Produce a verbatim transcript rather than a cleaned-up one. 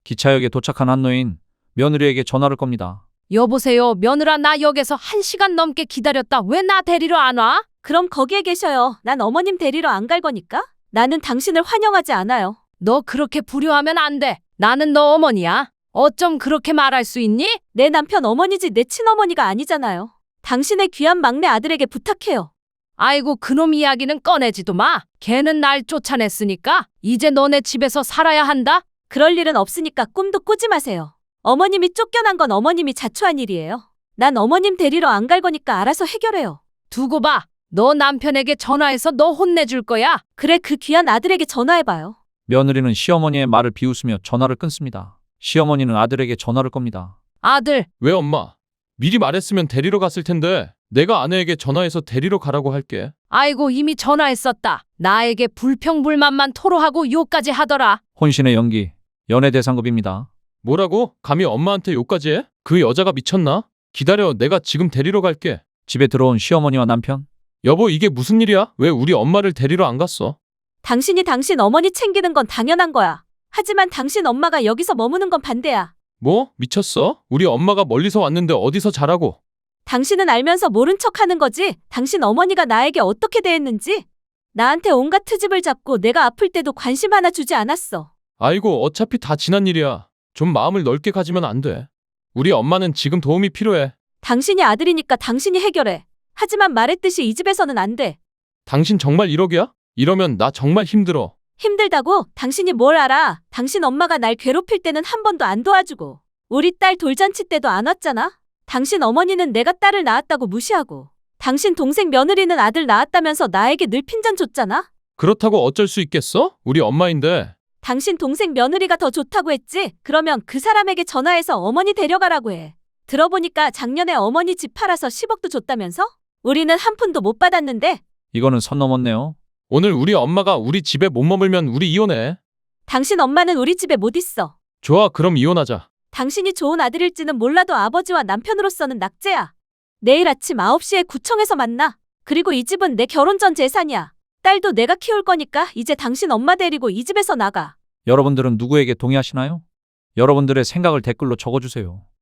기차역에 도착한 한 노인, 며느리에게 전화를 겁니다. 여보세요, 며느라, 나 역에서 한 시간 넘게 기다렸다. 왜 나 데리러 안 와? 그럼 거기에 계셔요. 난 어머님 데리러 안 갈 거니까. 나는 당신을 환영하지 않아요. 너 그렇게 불효하면 안 돼. 나는 너 어머니야. 어쩜 그렇게 말할 수 있니? 내 남편 어머니지 내 친어머니가 아니잖아요. 당신의 귀한 막내 아들에게 부탁해요. 아이고, 그놈 이야기는 꺼내지도 마. 걔는 날 쫓아냈으니까 이제 너네 집에서 살아야 한다. 그럴 일은 없으니까 꿈도 꾸지 마세요. 어머님이 쫓겨난 건 어머님이 자초한 일이에요. 난 어머님 데리러 안 갈 거니까 알아서 해결해요. 두고 봐. 너 남편에게 전화해서 너 혼내줄 거야. 그래, 그 귀한 아들에게 전화해봐요. 며느리는 시어머니의 말을 비웃으며 전화를 끊습니다. 시어머니는 아들에게 전화를 겁니다. 아들, 왜 엄마? 미리 말했으면 데리러 갔을 텐데 내가 아내에게 전화해서 데리러 가라고 할게. 아이고, 이미 전화했었다. 나에게 불평불만만 토로하고 욕까지 하더라. 혼신의 연기, 연애 대상급입니다. 뭐라고? 감히 엄마한테 욕까지 해? 그 여자가 미쳤나? 기다려, 내가 지금 데리러 갈게. 집에 들어온 시어머니와 남편. 여보, 이게 무슨 일이야? 왜 우리 엄마를 데리러 안 갔어? 당신이 당신 어머니 챙기는 건 당연한 거야. 하지만 당신 엄마가 여기서 머무는 건 반대야. 뭐? 미쳤어? 우리 엄마가 멀리서 왔는데 어디서 자라고? 당신은 알면서 모른 척 하는 거지? 당신 어머니가 나에게 어떻게 대했는지? 나한테 온갖 트집을 잡고 내가 아플 때도 관심 하나 주지 않았어. 아이고, 어차피 다 지난 일이야. 좀 마음을 넓게 가지면 안 돼. 우리 엄마는 지금 도움이 필요해. 당신이 아들이니까 당신이 해결해. 하지만 말했듯이 이 집에서는 안 돼. 당신 정말 이러기야? 이러면 나 정말 힘들어. 힘들다고? 당신이 뭘 알아? 당신 엄마가 날 괴롭힐 때는 한 번도 안 도와주고 우리 딸 돌잔치 때도 안 왔잖아? 당신 어머니는 내가 딸을 낳았다고 무시하고 당신 동생 며느리는 아들 낳았다면서 나에게 늘 핀잔 줬잖아? 그렇다고 어쩔 수 있겠어? 우리 엄마인데. 당신 동생 며느리가 더 좋다고 했지? 그러면 그 사람에게 전화해서 어머니 데려가라고 해. 들어보니까 작년에 어머니 집 팔아서 십억도 줬다면서? 우리는 한 푼도 못 받았는데. 이거는 선 넘었네요. 오늘 우리 엄마가 우리 집에 못 머물면 우리 이혼해. 당신 엄마는 우리 집에 못 있어. 좋아, 그럼 이혼하자. 당신이 좋은 아들일지는 몰라도 아버지와 남편으로서는 낙제야. 내일 아침 아홉 시에 구청에서 만나. 그리고 이 집은 내 결혼 전 재산이야. 딸도 내가 키울 거니까 이제 당신 엄마 데리고 이 집에서 나가. 여러분들은 누구에게 동의하시나요? 여러분들의 생각을 댓글로 적어주세요.